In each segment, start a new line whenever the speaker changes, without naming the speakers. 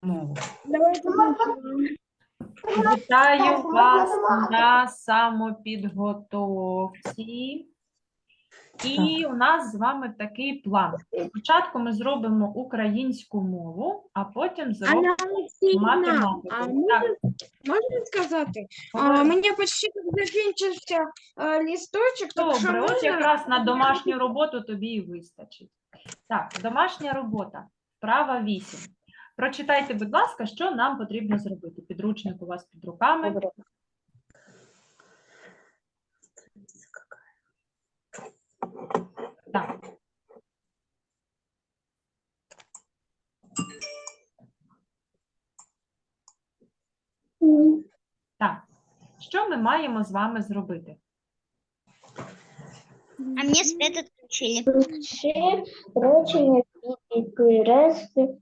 мову.
Давайте
Вітаю вас на самопідготовці. І у нас з вами такий план. Спочатку ми зробимо українську мову, а потім зробимо математику.
а
Так,
можна сказати?
говори.
Мені почти закінчився листочок, так що
Добре, от
можна?
якраз на домашню роботу тобі і вистачить. Так, домашня робота. Вправа 8. Прочитайте, будь ласка, що нам потрібно зробити. Підручник у вас під руками. Так. Так. Що ми маємо з вами зробити?
А мне свет отключили.
Ще речення підкресли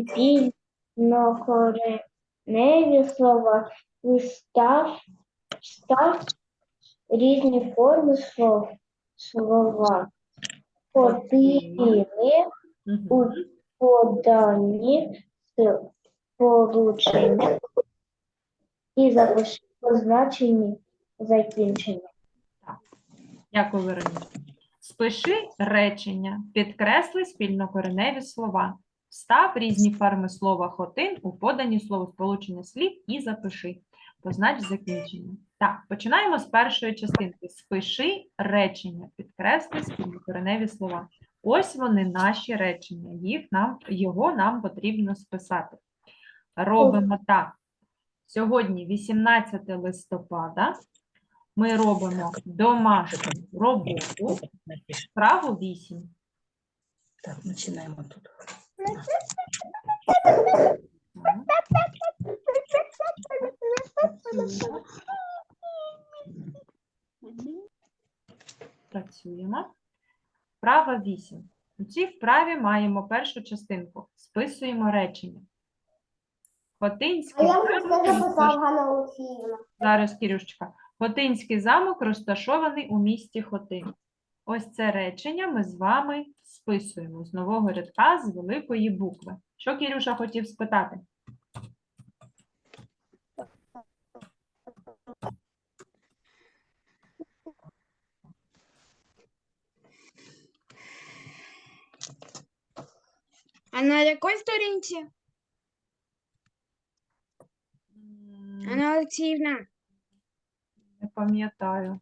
спільнокореневі слова. Встав різні форми слова. Поділили у
Мгм.
подані сполучення і запиши позначені закінчення.
Дякую, Вероніка. Спиши речення, підкресли спільнокореневі слова. Встав різні форми слова «хотин» у подані словосполучення слів і запиши. Познач закінчення. Так, починаємо з першої частинки. Спиши речення, підкресли спільнокореневі слова. Ось вони, наші речення. Його нам потрібно списати. Робимо так. Сьогодні 18 листопада. Ми робимо домашню роботу, вправу 8.
Так, починаємо тут. Працюємо. Вправа 8. У цій вправі маємо першу частинку. Списуємо речення. Хотинський замок Зараз, Кірюшечка. Хотинський замок розташований у місті Хотин. Ось це речення ми з вами списуємо з нового рядка з великої букви. Що Кірюша хотів спитати?
А на якій сторінці? Анна Олексіївна.
Не пам'ятаю.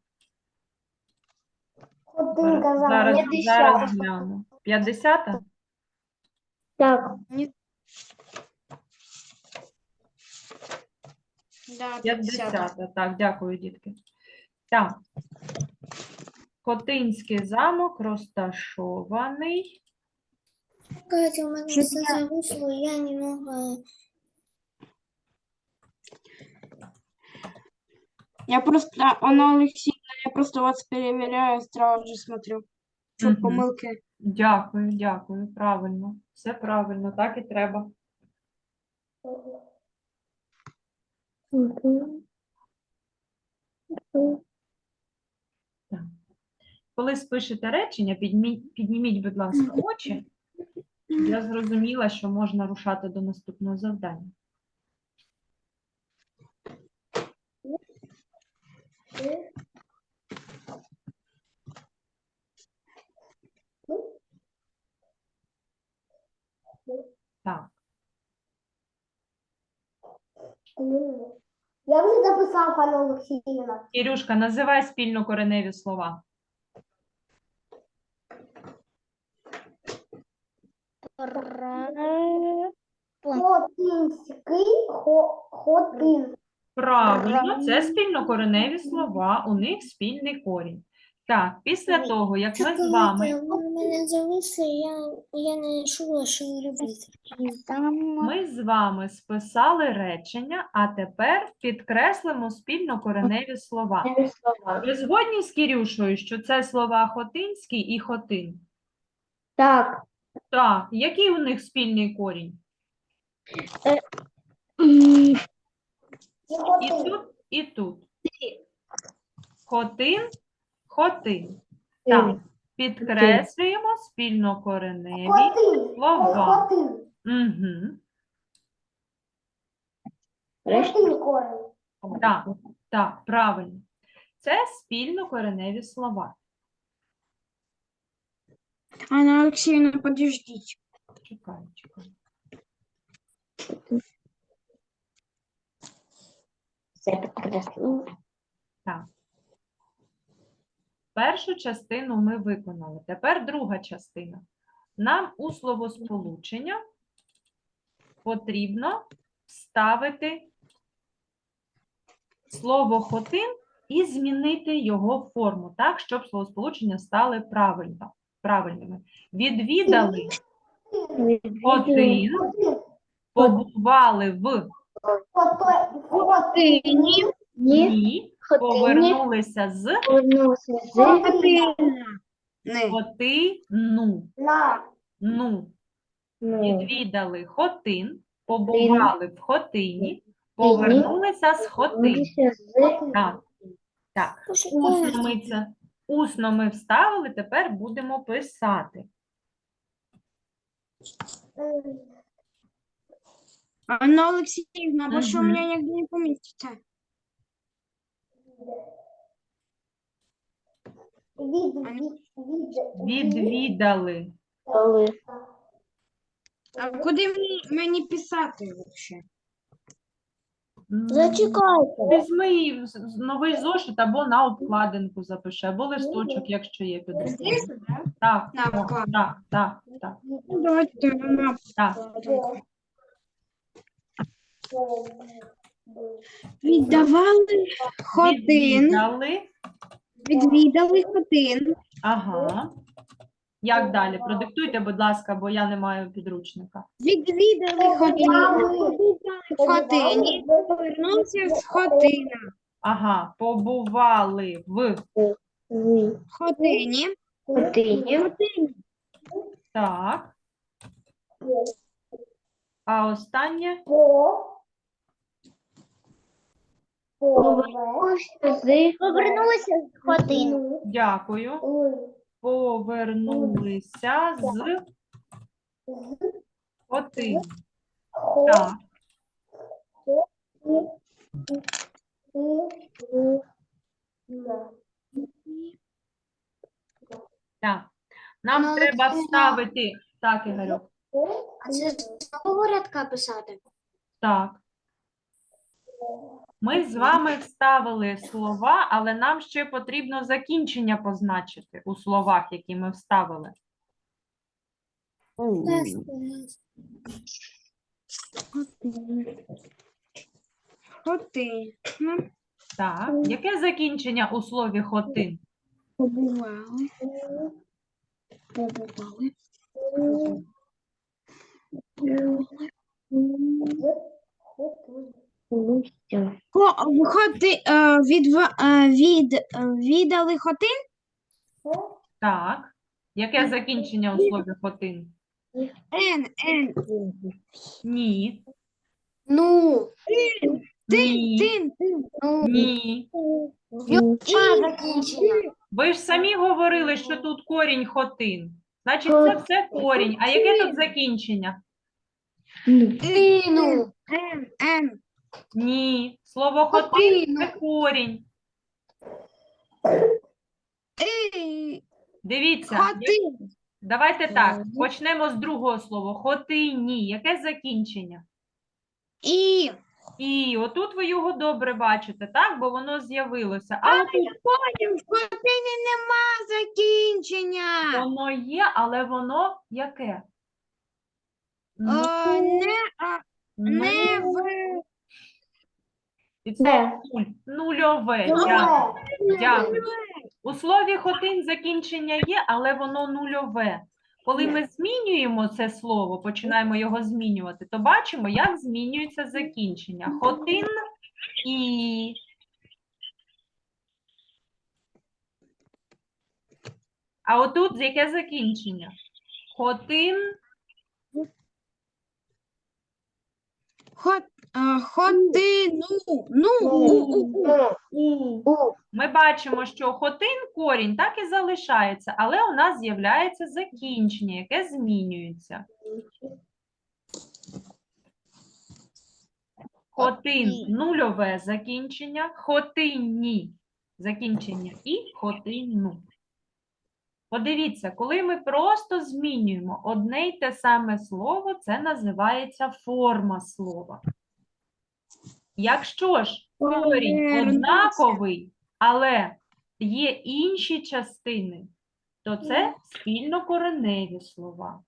Хотинка
Зараз гляну. 50-та?
Так,
Да,
50-та. Так, дякую, дітки. Так. Хотинський замок розташований.
Катя, у меня все зависло, я немного...
Я просто, Анна Олексіївна, я просто вас перевіряю, сразу же смотрю, щоб
Мгм.
помилки.
Дякую, дякую. Правильно. Все правильно, так і треба. Так. Коли спишете речення, підніміть, будь ласка, очі. Я зрозуміла, що можна рушати до наступного завдання. Так.
Я вже записала, пане Олексіївна.
Кірюшка, називай спільнокореневі слова.
Хотинський, хотин.
Правильно, це спільнокореневі слова, у них спільний корінь. Так, після того, як ми з вами...
У меня зависло, я не чула, що робити.
Ми з вами списали речення, а тепер підкреслимо спільнокореневі слова. Ви згодні з Кірюшою, що це слова Хотинський і Хотин?
Так.
Так, який у них спільний корінь? І тут, і тут. Хотин, Хотин. Так, підкреслюємо спільнокореневі слова. Угу.
Хотин корінь.
Так, так, правильно. Це спільнокореневі слова.
Анна Алексеевна, подождите.
Чекай, чекай.
Це підкреслено.
Так. Першу частину ми виконали. Тепер друга частина. Нам у словосполучення потрібно вставити слово хотин і змінити його форму так, щоб словосполучення стали правильними. Відвідали хотин, побували в
Хотині.
ні, повернулися з
Повернулися з
Не.
хотину.
на.
Ну.
Ну,
Відвідали хотин, побували в хотині, повернулися з хотин.
повернулися з
Так, так. Усно ми вставили, тепер будемо писати.
Анна Алексеевна, больше у
Мгм.
меня нигде не поместится.
Відвідали.
А куди мені писати вообще?
Зачекайте.
Візьми її новий зошит або на обкладинку запиши, або листочок, якщо є під рукою.
Здесь, да?
Так,
На
так,
обкладинку.
так, так, так,
Ну, давайте на
так.
Віддавали хотин,
Відвідали.
відвідали хотин,
Ага. Як далі? Продиктуйте, будь ласка, бо я не маю підручника.
відвідали хотин, в хотині, повернувся з хотина,
Ага, побували в
хотині,
Хотині.
так. А останнє
Повернулися з хотину.
дякую. Повернулися з хотин. Так. Так. Нам
Ну,
треба
Олексійна.
вставити. Так, Ігорю.
А це з нового рядка писати?
Так. Ми з вами вставили слова, але нам ще потрібно закінчення позначити у словах, які ми вставили.
хотин,
Так. Яке закінчення у слові хотин?
побували, побували, відвідали хотин,
Так. Яке закінчення у слові хотин?
н,
Ні.
Ну,
Ні.
ну,
Ні.
закінчення.
Ви ж самі говорили, що тут корінь хотин. Значить, це все корінь. А яке тут закінчення?
Тину.
н,
Ні. Слово хотин – це корінь. Дивіться.
хотин,
Давайте так. Почнемо з другого слова. Хотині. Яке закінчення?
і,
І отут ви його добре бачите, так? Бо воно з'явилося. А отут
потім в хотині нема закінчення.
воно є, але воно яке? Ну,
Не в
від слова нуль. Нульове. Дякую. Дякую. У слові хотин закінчення є, але воно нульове. Коли ми змінюємо це слово, починаємо його змінювати, то бачимо, як змінюється закінчення. Хотин і... А отут яке закінчення? Хотин,
хотину.
ми бачимо, що хотин корінь так і залишається, але у нас з'являється закінчення, яке змінюється. Хотин нульове закінчення, хотинні закінчення і хотинну. Подивіться, коли ми просто змінюємо одне й те саме слово, це називається форма слова. Якщо ж корінь однаковий, але є інші частини, то це спільнокореневі слова.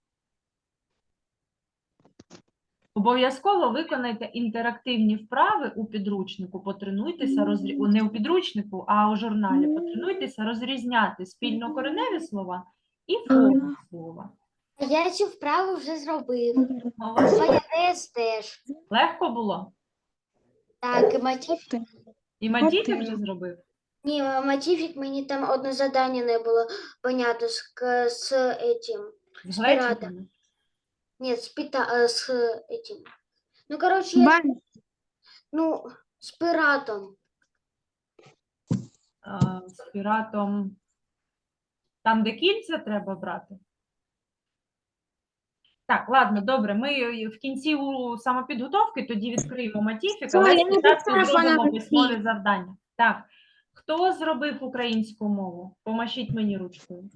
Обов'язково виконайте інтерактивні вправи у підручнику, потренуйтеся, не у підручнику, а у журналі, потренуйтеся розрізняти спільнокореневі слова і форму слова.
Я цю вправу вже зробив.
Молодці.
Майонез теж.
Легко було?
Так, і мотивчик.
І Матійчик вже зробив?
Ні, мотивчик мені там одне завдання не було понятно з этим.
З глечиками?
Ні, з этим. Ну, коротше, я, з пиратом.
З піратом. Там, де кільця треба брати? Так, ладно, добре. Ми в кінці у самопідготовки тоді відкриємо Матіфік, але спочатку зробимо письмові завдання. Так, хто зробив українську мову? Помашіть мені ручкою.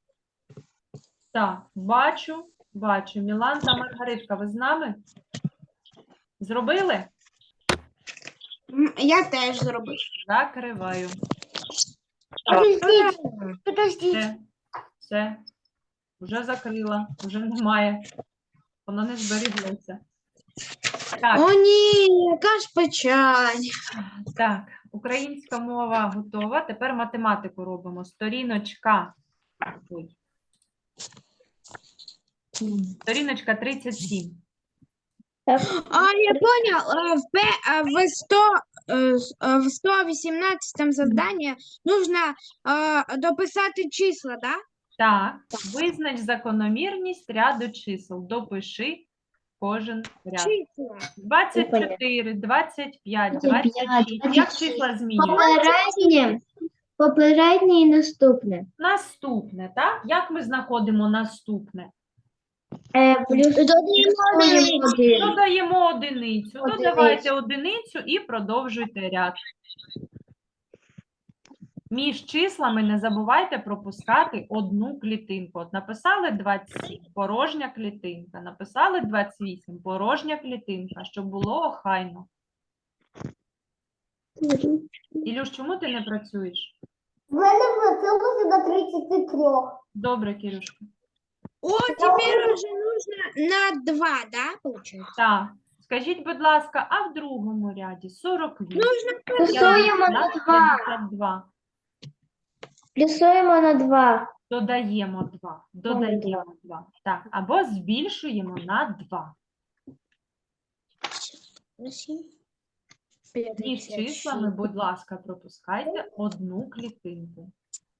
Так, бачу. Мілан та Маргаритка, ви з нами? Зробили?
Я теж зробив.
Закриваю.
Подождіть.
Все. Вже закрила, вже немає. Воно не зберіглося. Так,
О, ні, яка ж печаль.
так, українська мова готова. Тепер математику робимо. Сторіночка. Ой. Сторіночка 37.
Я понял. В 118 задании нужно дописати числа, да?
Так, визнач закономірність ряду чисел. Допиши кожен ряд.
Числа.
24, 25, 26. Як числа змінюються?
Попереднє і наступне.
Наступне, так? Як ми знаходимо наступне? Додаємо одиницю. Додавайте одиницю і продовжуйте ряд. Між числами не забувайте пропускати одну клітинку. От написали 27, порожня клітинка. Написали 28, порожня клітинка, щоб було охайно. Ілюш, чому ти не працюєш?
В мене вчилося до 33.
Добре, Кирюшка.
О, теперь уже нужно на 2, да, получается?
Так. Скажіть, будь ласка, а в другому ряді 48.
Плюсуємо на 2.
52.
Плюсуємо на 2.
Додаємо 2. Додаємо 2. Так, або збільшуємо на 2. Між числами, будь ласка, пропускайте одну клітинку.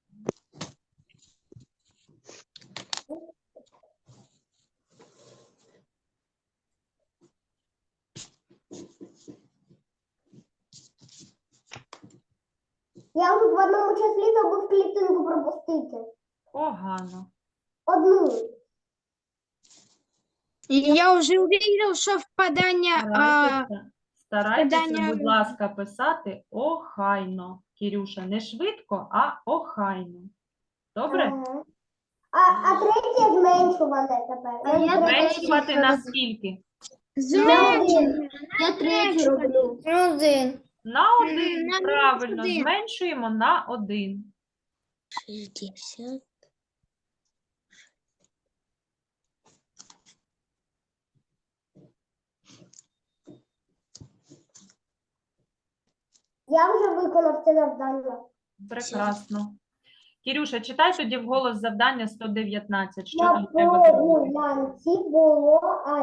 Я вже в одному числі забув клітинку пропустити.
Погано.
Одну.
Я уже увидел, что впадание...
Старайтеся,
Питання-
будь ласка, писати охайно. Кірюша, не швидко, а охайно. Добре?
Ага. А третє зменшуване тепер.
Зменшувати на скільки?
Я 3 роблю.
1.
На 1.
на
Правильно,
1.
зменшуємо на 1.
60.
Я вже виконав це завдання.
Прекрасно. Кірюша, читай тоді вголос завдання 119. Що
На
там треба зробити?
прогулянці було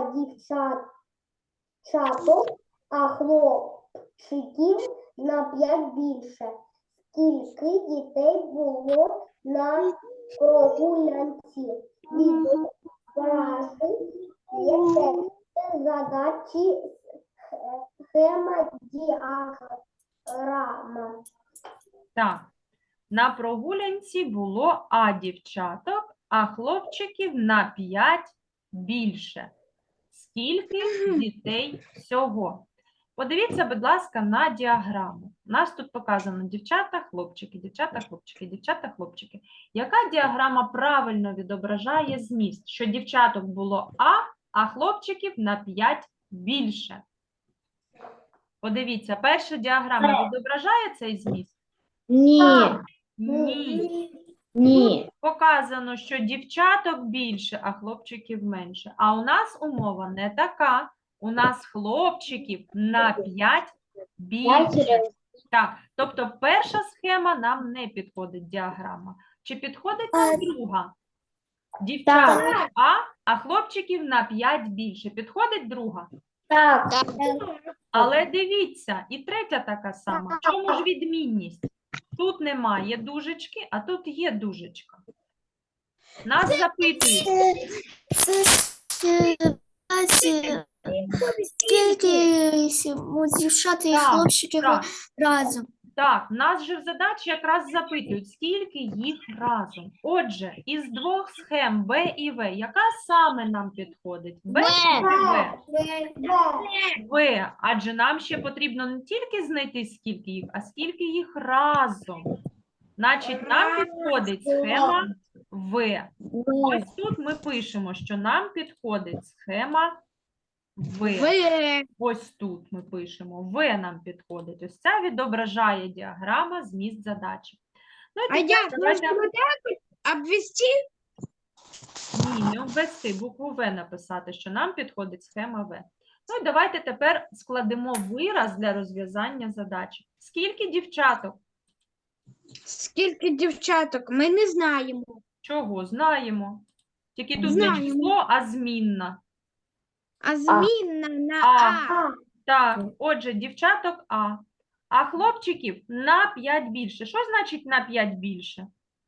дівчаток, а хлопчиків на 5 більше. Скільки дітей було на прогулянці? Відображи є текст задачі схема діаграма.
Так. На прогулянці було дівчаток, а хлопчиків на 5 більше. Скільки дітей всього? Подивіться, будь ласка, на діаграму. У нас тут показано дівчата, хлопчики, дівчата, хлопчики, дівчата, хлопчики. Яка діаграма правильно відображає зміст? Що дівчаток було а хлопчиків на 5 більше. Подивіться, перша діаграма відображає цей зміст?
Ні,
Ні.
ні.
Показано, що дівчаток більше, а хлопчиків менше. А у нас умова не така. У нас хлопчиків на 5 більше. Так, тобто перша схема нам не підходить, діаграма. Чи підходить нам друга? Дівчаток а хлопчиків на 5 більше. Підходить друга?
Так.
Але дивіться, і третя така сама. В чому ж відмінність? Тут немає дужечки, а тут є дужечка. Нас запитують,
Скільки у дівчат і
Так,
хлопчиків
так.
разом?
так, нас же в задачі якраз запитують, скільки їх разом. Отже, із двох схем Б і В, яка саме нам підходить? Б чи В? В, адже нам ще потрібно не тільки знайти, скільки їх, а скільки їх разом. Значить, нам підходить схема В. Ось тут ми пишемо, що нам підходить схема В. Ось тут ми пишемо. В нам підходить. Ось ця відображає діаграма зміст задачі. Ну, і тепер давайте...
Обвести?
Ні, не обвести, букву В написати, що нам підходить схема В. Ну і давайте тепер складемо вираз для розв'язання задачі. Скільки дівчаток?
Скільки дівчаток? Ми не знаємо.
Чого? Знаємо. Тільки тут не
Знаємо.
число, а змінна.
А змінна на
А. Так, отже, дівчаток А хлопчиків на 5 більше. Що значить на 5 більше?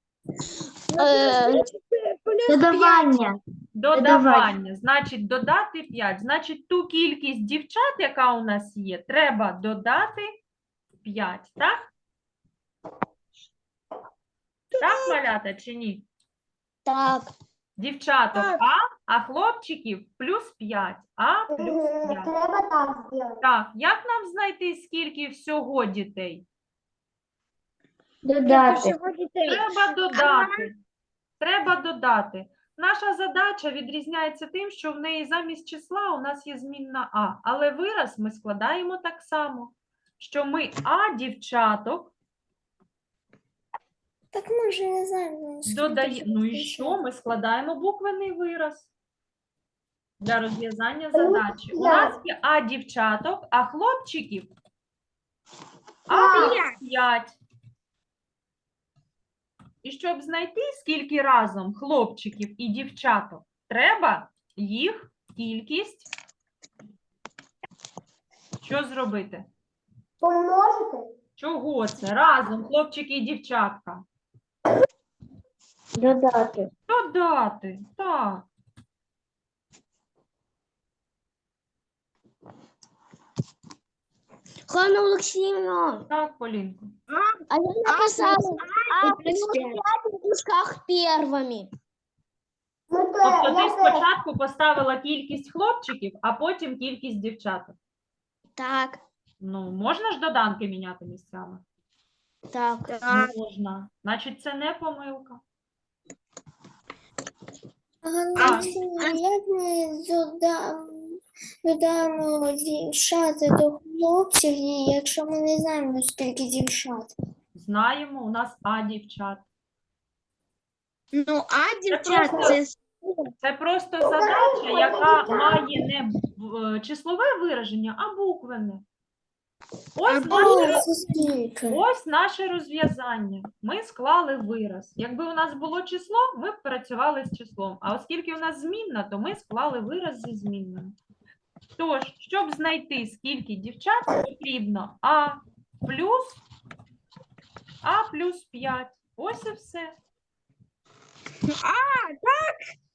Додавання.
Додавання. Значить, додати 5. Значить, ту кількість дівчат, яка у нас є, треба додати 5, так? Так, малята, чи ні?
Так.
Дівчаток а хлопчиків плюс 5. А плюс 5.
Треба так зробити.
Так, як нам знайти, скільки всього дітей?
Додати.
Треба додати. Треба додати. Наша задача відрізняється тим, що в неї замість числа у нас є змінна А. Але вираз ми складаємо так само, що ми А дівчаток
Так ми ж не знаємо.
додаємо. Ну і що? Ми складаємо буквений вираз для розв'язання задачі. У нас є А дівчаток, а хлопчиків А 5. І щоб знайти, скільки разом хлопчиків і дівчаток, треба їх кількість. Що зробити?
Помножити?
Чого це? Разом хлопчики і дівчатка.
Додати.
Додати. Так.
Ханна Олексіївна,
Так, Полінко.
а я написала А плюс 5 в дужках первыми.
Тобто ти спочатку поставила кількість хлопчиків, а потім кількість дівчаток.
Так,
Ну, можна ж доданки міняти місцями?
так.
Можна. Значить, це не помилка.
Ганна Олексіївна, як ми додамо дівчат до хлопців, якщо ми не знаємо, скільки дівчат?
Знаємо, у нас А дівчат.
Ну, а
дівчат, це просто задача, яка має не числове вираження, а буквене.
Це скільки?
Ось наше розв'язання. Ми склали вираз. Якби у нас було число, ми б працювали з числом. А оскільки у нас змінна, то ми склали вираз зі змінною. Тож, щоб знайти, скільки дівчат, потрібно А плюс 5. Ось і все. Так.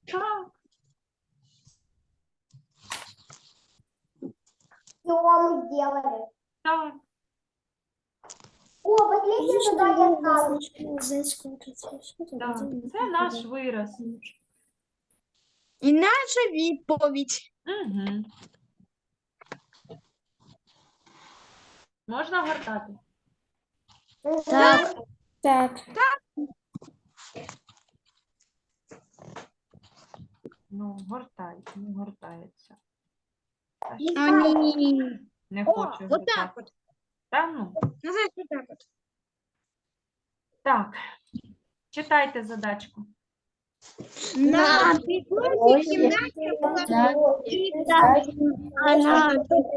Все мы сделали.
Так.
О, последнее задание
Так. Це наш вираз.
І наша відповідь.
Угу. Можна гортати?
Так. Так.
Ну, гортай, не гортається.
Ні.
Не
О,
хочу
вот
гортати.
так вот.
Та ну.
Назад вот так вот.
Так, читайте задачку.
На
Ось
кімнаті
Она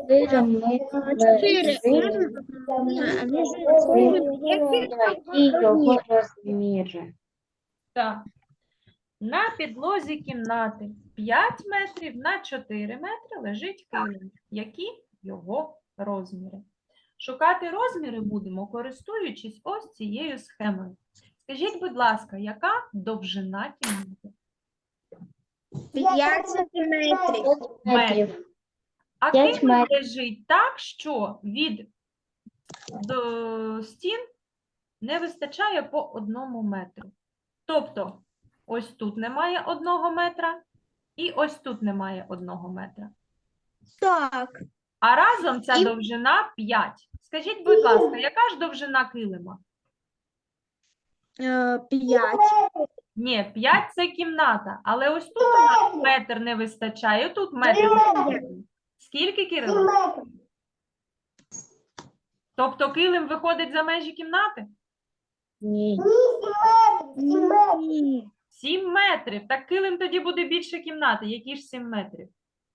його розміри.
Так. На підлозі кімнати 5 метрів на 4 метри лежить килим. Які його розміри? Шукати розміри будемо, користуючись ось цією схемою. Скажіть, будь ласка, яка довжина кімнати?
5 сантиметрів.
Метрів.
А
5
килим
метрів.
лежить так, що від до стін не вистачає по 1 метру. Тобто, ось тут немає 1 метра, і ось тут немає 1 метра.
Так.
А разом ця
І-
довжина 5. Скажіть, будь ласка, яка ж довжина килима?
5.
Ні, 5 – це кімната, але ось тут у нас метр не вистачає, тут метр не вистачає. Скільки, Кирило? Тобто килим виходить за межі кімнати?
Ні.
7 метрів. Так килим тоді буде більше кімнати. Які ж 7 метрів?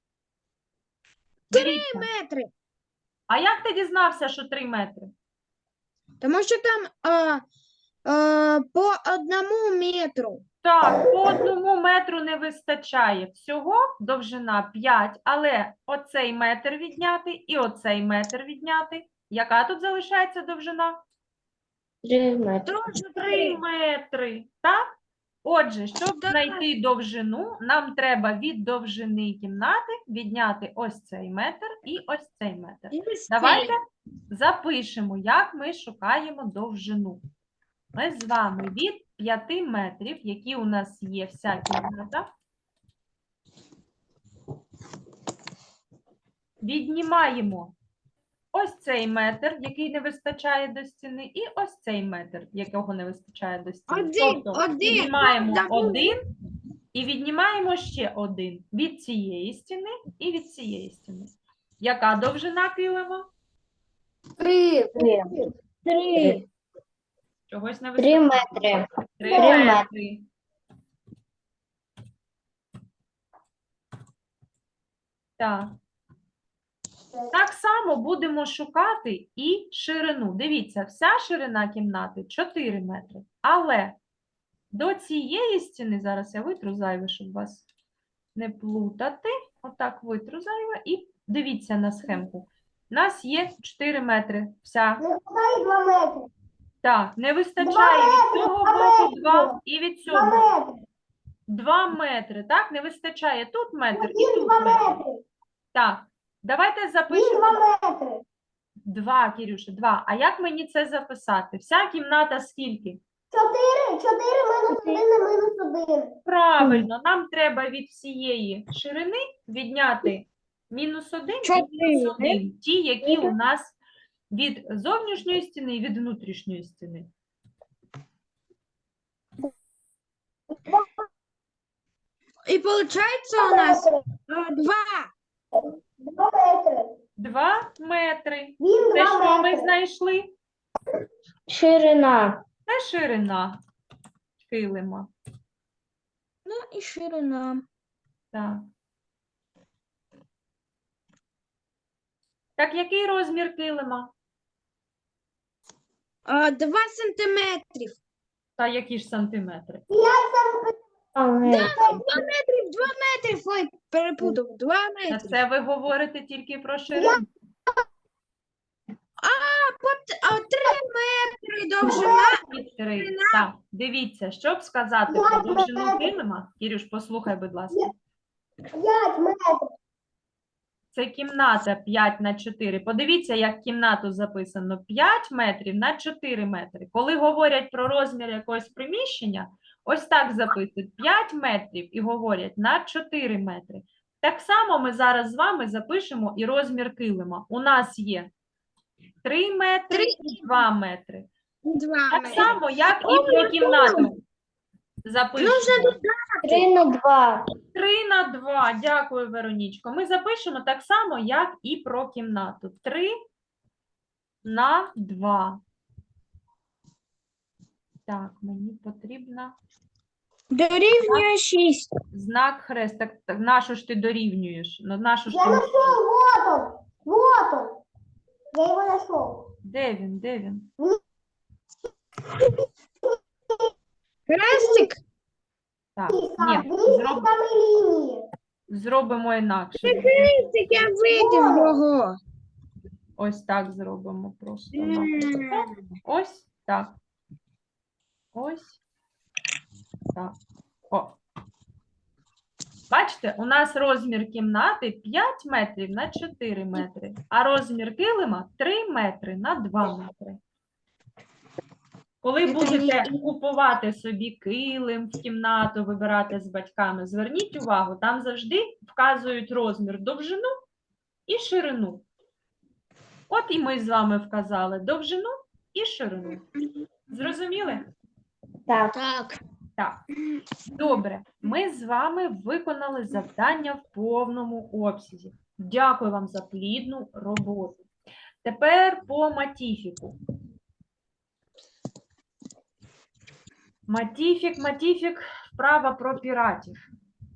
3
Дивіться.
метри.
А як ти дізнався, що 3 метри?
Тому що там по 1 метру.
Так, по 1 метру не вистачає. Всього довжина 5, але оцей метр відняти і оцей метр відняти. Яка тут залишається довжина?
3 метри.
3 метри, так? Отже, щоб
Так.
знайти довжину, нам треба від довжини кімнати відняти ось цей метр і ось цей метр. Давайте запишемо, як ми шукаємо довжину. Ми з вами від 5 метрів, які у нас є вся кімната, віднімаємо ось цей метр, який не вистачає до стіни, і ось цей метр, якого не вистачає до стіни. Тобто віднімаємо 1 і віднімаємо ще 1 від цієї стіни і від цієї стіни. Яка довжина килима?
3.
3.
Чогось не
3
вистачає.
метри.
3
3
метри. Так. Так само будемо шукати і ширину. Дивіться, вся ширина кімнати 4 метри. Але до цієї стіни, зараз я витру зайве, щоб вас не плутати. Отак витру зайве. І дивіться на схемку. У нас є 4 метри. Вся. Так, не вистачає від цього боку 2 і від цього. 2 метри, так? Не вистачає тут метр і тут метр. Так, давайте запишемо. 2, Кирюша, 2. А як мені це записати? Вся кімната скільки?
4 мінус 1 мінус 1.
Правильно, нам треба від всієї ширини відняти мінус 1 і мінус 1. Ті, які у нас від зовнішньої стіни і від внутрішньої стіни.
І виходить у нас
2 метри. Це що ми знайшли?
Ширина.
Це ширина килима.
Ну і ширина.
Так. Так, який розмір килима?
2 сантиметрів.
Та які ж сантиметри?
2 метри.
2 метрів. Ой, перепутав. 2
Та
метри.
це ви говорите тільки про ширину.
3 метри довжина.
І 3. Так, дивіться, щоб сказати про довжину килима, Кірюш, послухай, будь ласка.
5 метрів.
Це кімната 5 на 4. Подивіться, як кімнату записано 5 метрів на 4 метри. Коли говорять про розмір якогось приміщення, ось так записують 5 метрів і говорять на 4 метри. Так само ми зараз з вами запишемо і розмір килима. У нас є 3 метри і 2 метри.
2
Так само, як і про кімнату. Запишемо.
3 на 2.
3 на 2. Дякую, Веронічко. Ми запишемо так само, як і про кімнату. 3 на 2. Так, мені потрібно
Дорівнює 6.
знак хрест. Так, на що ж ти дорівнюєш? На що ж
Я
ти...
нашел, вот он. Вот он. Я его нашел.
Де він? Де він?
Хрестик.
Так,
А,
ні,
видите, там и линии.
зробимо інакше.
Хрестик, я видів його.
Ось так зробимо просто.
М.
Ось так. Ось так. О. Бачите, у нас розмір кімнати 5 метрів на 4 метри, а розмір килима 3 метри на 2 метри. Коли будете купувати собі килим в кімнату, вибирати з батьками, зверніть увагу, там завжди вказують розмір довжину і ширину. От і ми з вами вказали довжину і ширину. Зрозуміли?
Так.
Так. Добре. Ми з вами виконали завдання в повному обсязі. Дякую вам за плідну роботу. Тепер по матіфіку. Матіфік, вправа про піратів.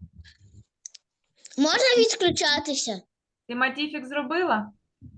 Можна відключатися?
Ти матіфік зробила?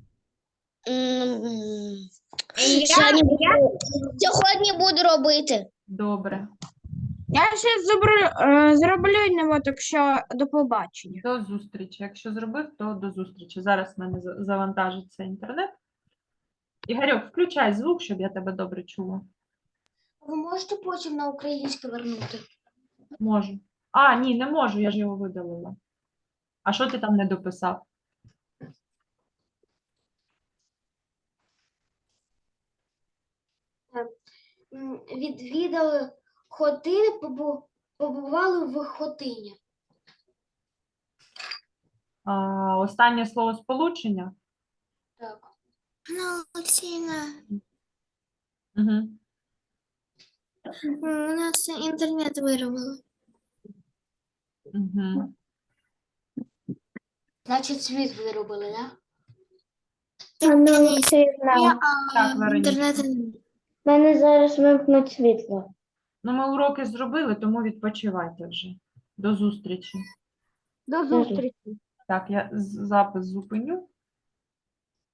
Сьогодні буду робити.
Добре.
Я ще зроблю його, так що до побачення.
До зустрічі. Якщо зробив, то до зустрічі. Зараз в мене завантажиться інтернет. Ігорьок, включай звук, щоб я тебе добре чула.
Ви можете потім на українське вернути?
Можу. А, ні, не можу, я ж його видалила. А що ти там не дописав?
Відвідали Хотини, побували в Хотині.
Останнє слово сполучення?
Так.
Анна Олексійовна,
Угу.
у нас інтернет вирубили.
Угу.
Значить, світ виробили, так?
Анна Олексійовна,
Так, Вероніка.
інтернет. У мене зараз вимкнуть світло.
Ну, ми уроки зробили, тому відпочивайте вже. До зустрічі.
До зустрічі.
Так, я запис зупиню.